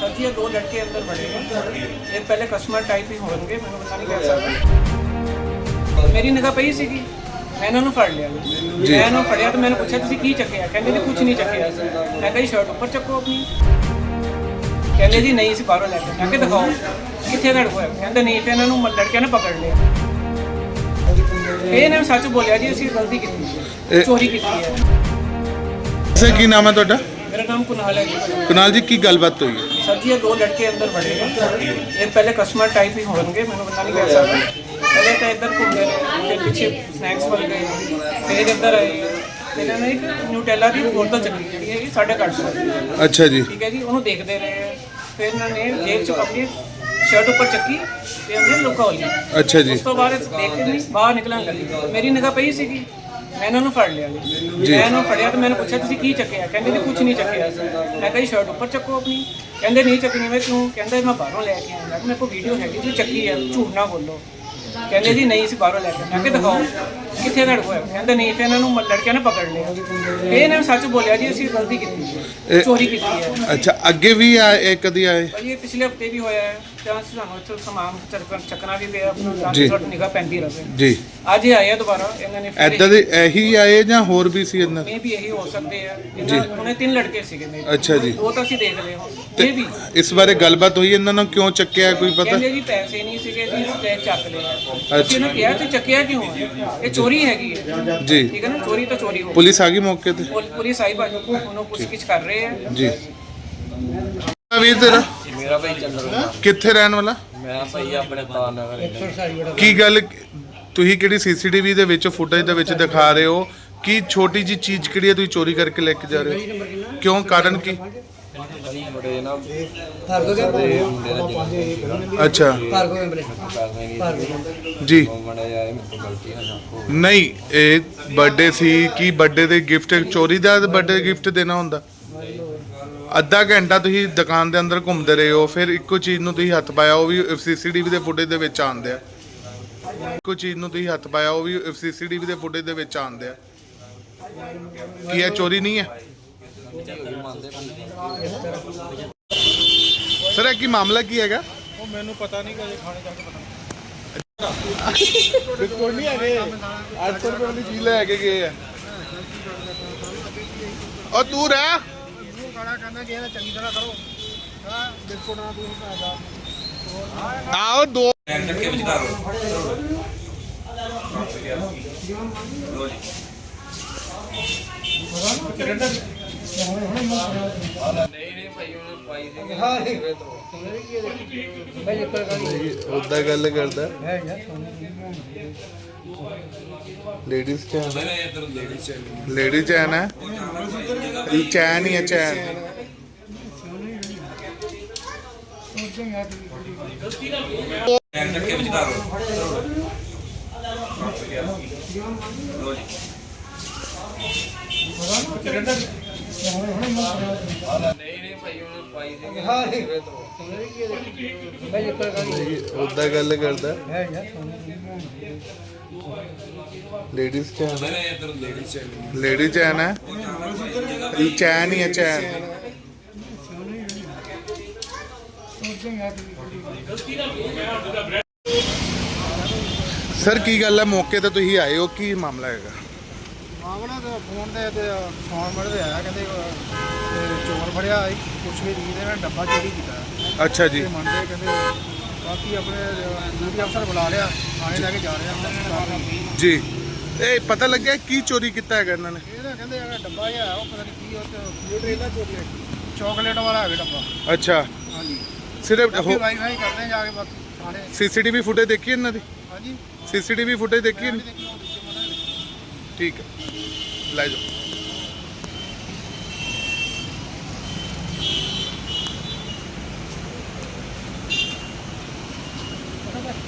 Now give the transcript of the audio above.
Sir जी ये दो लड़के अंदर बड़े हैं, एक पहले कस्टमर टाइप ही होंगे, मैं पता नहीं कह सकता। मेरी निगाह पई सी मैं इन्होंने फड़ लिया, मैं इन्होंने फड़िया तो मैंने पूछा तुसीं की चक्या, कहते ने कुछ नहीं चक्या। मैं कही शर्ट ऊपर चक्को अपनी, कहते जी नहीं सी बाहरों लैके, मैं दिखाओ कितने लड़ होया, कहते नहीं, फिर इन्होंने लड़किया ने पकड़ लिया। फिर इन्होंने सच बोलिया जी असीं गलती की, चोरी की है। सर की नाम है ਤੁਹਾਡਾ? मेरा नाम कुनाल है जी। कुनाल जी की गलबात हुई है? सर जी ये दो लड़के अंदर बड़े हैं, एक पहले कस्टमर टाइप ही होंगे, मैं पता नहीं कह सकता। पहले तो इधर घूमते रहे, फिर पीछे स्नैक्स वाल गए, फिर इधर आए, फिर इन्होंने एक न्यूटेला की बोतल चली जी है 850। अच्छा जी, ठीक है जी, उन्होंने देखते रहे, फिर इन्होंने जेब च अपनी शर्ट ऊपर चक्की ਤੇ ਅੰਦਰ ਲੁਕਾ ਹੋਈ। अच्छा जी, ਉਸ ਤੋਂ ਬਾਅਦ ਦੇਖ ਕੇ ਨਹੀਂ ਬਾਹਰ ਨਿਕਲਣ ਲੱਗੀ, ਮੇਰੀ ਨਿਗਾਹ ਪਈ ਸੀਗੀ, ਮੈਂ ਇਹਨਾਂ ਨੂੰ ਫੜ ਲਿਆ ਜੀ। ਮੈਂ ਇਹਨੂੰ ਫੜਿਆ ਤੇ ਮੈंने ਪੁੱਛਿਆ ਤੁਸੀਂ ਕੀ ਚੱਕਿਆ, ਕਹਿੰਦੇ ਨੇ ਕੁਝ ਨਹੀਂ ਚੱਕਿਆ। ਮੈਂ ਕਹੀ ਸ਼ਰਟ ਉੱਪਰ ਚੱਕੋ ਆਪਣੀ, ਕਹਿੰਦੇ ਨਹੀਂ ਚੱਕਣੀ। ਮੈਂ ਕਿਉਂ, ਕਹਿੰਦਾ ਮੈਂ ਬਾਹਰੋਂ ਲੈ ਕੇ ਆਇਆ, ਮੇਰੇ ਕੋਲ ਵੀਡੀਓ ਹੈਗੀ ਤੁਸੀਂ ਚੱਕੀ ਹੈ, ਝੂਠ ਨਾ ਬੋਲੋ। ਕਹਿੰਦੇ ਜੀ ਨਹੀਂ ਸੀ ਬਾਹਰੋਂ ਲੈ ਕੇ, ਮੈਂ ਕਿ ਦਿਖਾਓ ਕਿੱਥੇ ਲੜ ਹੋਇਆ, ਕਹਿੰਦੇ ਨਹੀਂ। ਫਿਰ ਇਹਨਾਂ ਨੂੰ ਲੜਕਿਆਂ ਨੇ ਪਕੜ ਲਿਆ, ਫਿਰ ਇਹਨਾਂ ਨੇ ਸੱਚ ਬੋਲਿਆ ਜੀ ਅਸੀਂ ਗਲਤੀ ਕੀਤੀ, ਚੋਰੀ ਕੀਤੀ ਹੈ। अच्छा ਅੱਗੇ ਵੀ ਆਏ ਕਦੀ ਆਏ? ਭਾਜੀ ਇਹ ਪਿਛਲੇ ਹਫਤੇ ਵੀ ਹੋਇਆ ਹੈ, ਤਾਂ ਸਾਨੂੰ ਇੱਥੇ ਸਮਾਨ ਚੱਕਣਾ ਵੀ ਪਿਆ, ਆਪਣਾ ਤਾਂ ਸਾਡੀ ਨਿਗਾਹ ਪੈਂਦੀ ਰਹੇ। ਜੀ, ਅੱਜ ਇਹ ਆਏ ਆ ਦੁਬਾਰਾ, ਇਹਨਾਂ ਨੇ ਐਦਾਂ ਦੇ ਇਹੀ ਆਏ ਜਾਂ ਹੋਰ ਵੀ ਸੀ ਇਹਨਾਂ? ਮੇ ਵੀ ਇਹੀ ਹੋ ਸਕਦੇ ਆ। ਉਹਨੇ 3 ਲੜਕੇ ਸੀਗੇ ਮੇਰੇ। ਅੱਛਾ ਜੀ, ਉਹ ਤਾਂ ਅਸੀਂ ਦੇਖ ਲਏ ਹੁਣ। ਤੇ ਇਹ ਵੀ ਇਸ ਬਾਰੇ ਗੱਲਬਾਤ ਹੋਈ ਇਹਨਾਂ ਨੂੰ ਕਿਉਂ ਚੱਕਿਆ ਕੋਈ ਪਤਾ? ਕਹਿੰਦੇ ਜੀ ਪੈਸੇ ਨਹੀਂ ਸੀਗੇ ਜੀ, ਤੇ ਚੱਕ ਲਿਆ। ਅਸੀਂ ਇਹਨੂੰ ਕਿਹਾ ਤੁਸੀਂ ਚੱਕਿਆ ਕਿਉਂ ਹੈ, ਇਹ ਚੋਰੀ ਹੈਗੀ ਹੈ ਜੀ। ਠੀਕ ਹੈ ਨਾ, ਚੋਰੀ ਤਾਂ ਚੋਰੀ ਹੋ। ਪੁਲਿਸ ਆ ਗਈ ਮੌਕੇ ਤੇ? ਪੁਲਿਸ ਆਈ ਭਾਜੀ, ਉਹਨੂੰ ਪੁੱਛਗਿੱਛ ਕਰ ਰਹੇ ਆ ਜੀ। ਵੀਰ ਤੇਰਾ ਮੇਰਾ ਭਾਈ ਚੰਦਰ, ਕਿੱਥੇ ਰਹਿਣ ਵਾਲਾ? ਮੈਂ ਭਾਈ ਆਪਣੇ ਤਾਰ ਨਗਰ। ਕੀ ਗੱਲ, ਤੁਸੀਂ ਕਿਹੜੀ ਸੀਸੀਟੀਵੀ ਦੇ ਵਿੱਚ ਫੁਟੇਜ ਦੇ ਵਿੱਚ ਦਿਖਾ ਰਹੇ ਹੋ ਕਿ ਛੋਟੀ ਜੀ ਚੀਜ਼ ਕਿਹੜੀ ਹੈ ਤੁਸੀਂ ਚੋਰੀ ਕਰਕੇ ਲੈ ਕੇ ਜਾ ਰਹੇ ਹੋ? ਕਿਉਂ, ਕਾਰਨ ਕੀ? ਭਾਈ ਬੜੇ ਨਾ ਸਾਡੇ ਮੁੰਡੇ ਦਾ ਜਨਮ ਅੱਛਾ ਸੀ, ਜੀ। ਮੜਾ ਜਾਏ ਮੇਰੇ ਤੋਂ ਗਲਤੀ ਨਾ ਸਕੋ। ਨਹੀਂ, ਇਹ ਬਰਥਡੇ ਸੀ, ਕੀ ਬਰਥਡੇ ਦੇ ਗਿਫਟ ਚੋਰੀ ਦਾ ਬਰਥਡੇ ਗਿਫਟ ਦੇਣਾ ਹੁੰਦਾ? ਅੱਧਾ ਘੰਟਾ ਤੁਸੀਂ ਦੁਕਾਨ ਦੇ ਅੰਦਰ ਘੁੰਮਦੇ ਰਹੇ ਹੋ, ਫਿਰ ਇੱਕੋ ਚੀਜ਼ ਨੂੰ ਤੁਸੀਂ ਹੱਥ ਪਾਇਆ, ਉਹ ਵੀ ਸੀਸੀਟੀਵੀ ਦੇ ਫੁਟੇਜ ਦੇ ਵਿੱਚ ਆਉਂਦੇ ਆ। ਇੱਕੋ ਚੀਜ਼ ਨੂੰ ਤੁਸੀਂ ਹੱਥ ਪਾਇਆ, ਉਹ ਵੀ ਸੀਸੀਟੀਵੀ ਦੇ ਫੁਟੇਜ ਦੇ ਵਿੱਚ ਆਉਂਦੇ ਆ। ਕੀ ਇਹ ਚੋਰੀ ਨਹੀਂ ਹੈ? ਸਰ ਇਹ ਕੀ ਮਾਮਲਾ ਕੀ ਹੈਗਾ? ਉਹ ਮੈਨੂੰ ਪਤਾ ਨਹੀਂ ਕਿ ਖਾਣੇ ਜਾ ਕੇ ਪਤਾ ਬਿਲਕੁਲ ਨਹੀਂ ਹੈਗੇ, 800 ਰੁਪਏ ਦੀ ਚੀਜ਼ ਲੈ ਕੇ ਗਏ ਆ। ਉਹ ਤੂੰ ਰਹਿ, ਖਾਣਾ ਖਾਣਾ ਜੇ ਚੰਗੀ ਤਰ੍ਹਾਂ ਕਰੋ। ਹਾਂ ਬਿਸਕੁਟ ਨਾਲ ਤੂੰ ਖਾਦਾ ਆਓ ਦੋ ਨਹੀਂ ਭਾਈ ਉਹਨੇ ਪਾਈ ਸੀ ਉਦਾਂ ਗੱਲ ਕਰਦਾ। ਲੇਡੀਜ਼ ਚੈਨ, ਲੇਡੀਜ਼ ਚੈਨ ਹੈ, ਚੈਨ ਹੀ ਹੈ, ਚੈਨ। ਨਹੀਂ ਭਾਈ ਉਹਨੇ ਪਾਈ ਸੀ ਉਦਾਂ ਗੱਲ ਕਰਦਾ। ਲੇਡੀਜ਼ ਚੈਨ, ਲੇਡੀਜ਼ ਚੈਨ ਹੈ, ਚੈਨ ਹੀ ਹੈ, ਚੈਨ। ਸਰ ਕੀ ਗੱਲ ਹੈ, ਮੌਕੇ ਤੇ ਤੁਸੀਂ ਆਏ ਹੋ, ਕੀ ਮਾਮਲਾ ਹੈਗਾ? ਮਾਮਲਾ ਤਾਂ ਫੋਨ ਤੇ ਸੌਣ ਮੜਦੇ ਆਇਆ, ਕਹਿੰਦੇ ਚੋਰ ਫੜਿਆ, ਕੁਛ ਵੀ ਨਹੀਂ ਦੇ ਨਾਲ ਡੱਬਾ ਚੋਰੀ ਕੀਤਾ। ਅੱਛਾ ਜੀ, ਤੇ ਮੰਨਦੇ ਕਹਿੰਦੇ, ਬਾਕੀ ਆਪਣੇ ਡਿਊਟੀ ਅਫਸਰ ਬੁਲਾ ਲਿਆ, ਥਾਣੇ ਲੈ ਕੇ ਜਾ ਰਹੇ ਆ। ਜੀ। ਇਹ ਪਤਾ ਲੱਗਿਆ ਕੀ ਚੋਰੀ ਕੀਤਾ ਹੈਗਾ ਇਹਨਾਂ ਨੇ? ਇਹ ਤਾਂ ਕਹਿੰਦੇ ਜਿਹੜਾ ਡੱਬਾ ਜਿਹਾ ਉਹ ਪਤਾ ਨਹੀਂ ਕੀ, ਉਹ ਟ੍ਰੇਲਾ ਚੋਕਲੇਟ ਵਾਲਾ ਹੈਗਾ ਡੱਬਾ। ਅੱਛਾ, ਹਾਂਜੀ, ਸਿਰਫ ਬਾਕੀ ਵਾਈਫਾਈ ਕਰਦੇ ਜਾ ਕੇ ਬਾਕੀ ਥਾਣੇ। ਸੀਸੀਟੀਵੀ ਫੁਟੇਜ ਦੇਖੀ ਇਹਨਾਂ ਦੀ? ਹਾਂਜੀ ਸੀਸੀਟੀਵੀ ਫੁਟੇਜ ਦੇਖੀ? ਦੇਖੀ ਉਹ ਦੂਜੇ ਮੁੰਡੇ ਨੇ। ਠੀਕ ਹੈ, ਲੈ ਜਾਓ।